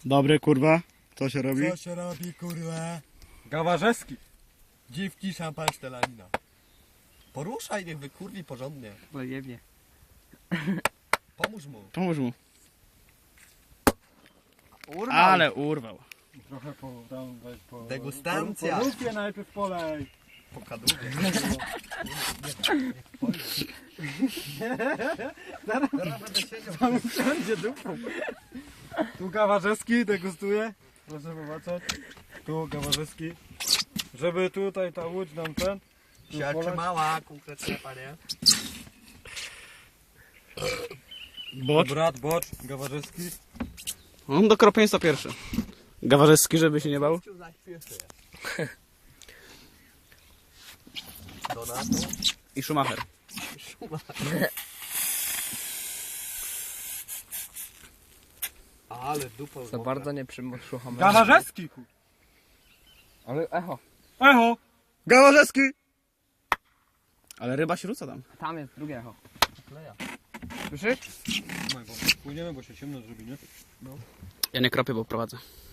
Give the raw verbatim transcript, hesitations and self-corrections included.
Dobry, kurwa. Co się robi? Co się robi, kurwa? Gawarzewski. Dziwki, szampan, szczelanina. Poruszaj, niech wykurwi porządnie. Pojemnie. Pomóż mu. Pomóż mu. Urwał. Ale urwał. Trochę po, tam weź po... Degustancja. Po, po lupie najpierw polej. Po kadłubie. Zaraz będę siedział. tam wszędzie dupą. Tu Gawarzewski degustuje. Proszę popatrzeć. Tu Gawarzewski. Żeby tutaj ta łódź nam ten... tu Się poleć. mała, konkretnie, panie. Bocz. Brat, bocz, Gawarzewski. On do kropieństwa pierwszy. Gawarzewski, żeby się nie bał. Donato. I Schumacher. Ale dupa Za bardzo nie przymuszuchamy. Gawarzewski! ku- Ale echo. Echo! Gawarzewski! Ale ryba się rzuca tam. Tam jest drugie echo. kleja. Słyszysz? Trzymaj, bo płyniemy, bo się ciemno zrobi, nie? Ja nie kropię, bo prowadzę.